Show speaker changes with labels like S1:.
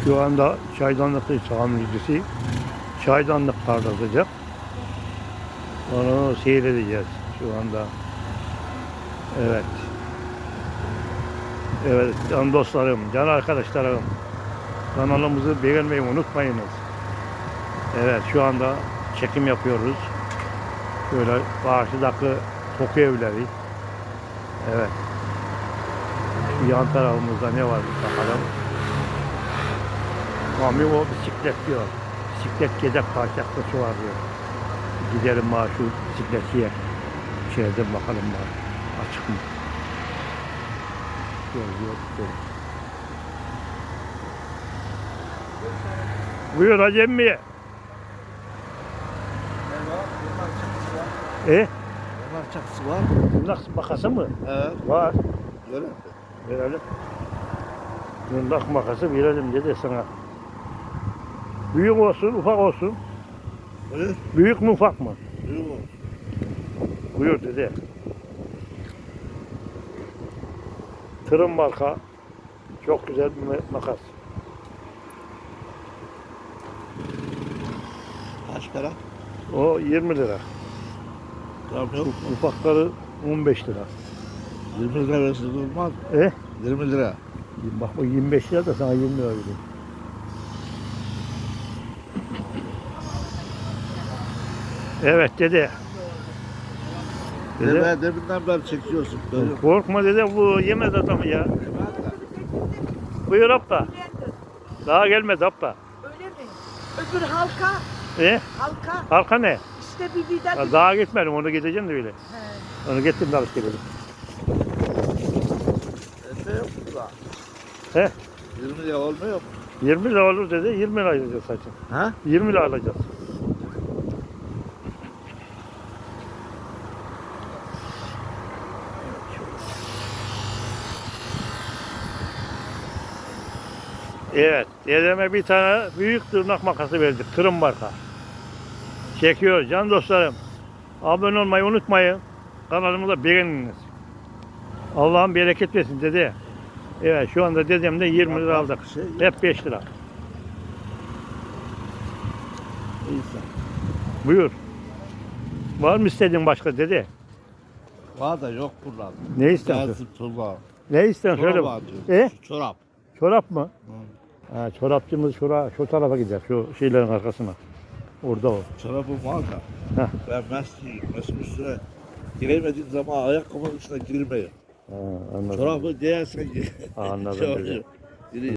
S1: Şu anda çaydanlıktayız tamircisi. Çaydanlık parlatacak. Onu seyredeceğiz şu anda. Evet. Evet can dostlarım, can arkadaşlarım. Kanalımızı beğenmeyi unutmayınız. Evet şu anda çekim yapıyoruz. Şöyle karşıdaki Toku evleri. Evet. Şu yan tarafımızda ne var bir bakalım. Mami o bisiklet diyor. Bisiklet gezek parçası var diyor. Gidelim bana şu bisikletçiye. İçeriden bakalım bana. Açık mı? Yok. Buyur Hacı emmi.
S2: Bunlar çakısı var.
S1: Tırnak makası mı?
S2: Evet.
S1: Var.
S2: Öyle mi?
S1: Verelim. Tırnak makası verelim dedi sana. Büyük olsun, ufak olsun.
S2: Buyur.
S1: Büyük mü ufak mı?
S2: Buyur.
S1: Buyur dedi. Tırın marka. Çok güzel bir makas.
S2: Kaç para?
S1: O 20 lira.
S2: Tamam yok.
S1: Ufakları 15 lira.
S2: 20 lira versin olmaz. 20 lira.
S1: Bak o 25 lira da sana 20 lira vereyim. Evet dede. Dede.
S2: Ben deminden beri çekiyorsun. Görüyorum.
S1: Korkma dede bu yemez adamı ya. Buyur abla. Daha gelmedi abla.
S3: Öyle mi? Öbür halka, halka.
S1: Arka ne?
S3: İşte bir vida.
S1: Ya daha gitmedim onu gideceğim de öyle.
S3: He.
S1: Onu gittim de alıp gelelim.
S2: Ne yok burada?
S1: He?
S2: 20 lira olmuyor mu?
S1: 20 lira olur dedi. 20 lira alacağız saçın.
S2: Ha?
S1: 20 lira alacağız. Evet, dedeme bir tane büyük tırnak makası verdik. Tırın marka. Çekiyor can dostlarım. Abone olmayı unutmayın. Kanalımı da beğeniniz. Allah'ın bereket versin dede. Evet şu anda dedemde 20 lira aldık. Hep 5 lira.
S2: İnsan.
S1: Buyur. Var mı istediğin başka dede?
S2: Var da yok buradan.
S1: Ne istiyorsun?
S2: Gelsin turba.
S1: Ne istiyorsun söyle.
S2: Çorap
S1: bak.
S2: var. Çorap.
S1: Çorap mı? Ha, çorapçımız şu tarafa gider. Şu şeylerin arkasına. Orada o.
S2: Çorabım var da.
S1: Heh.
S2: Ben mesleğim. Mesleğim üstüne giremediğim zaman ayakkabının üstüne girmiyor.
S1: Ha, anladım.
S2: Çorabı değersen
S1: Anladım
S2: Çorabı-
S1: dedi.
S2: Giriyor.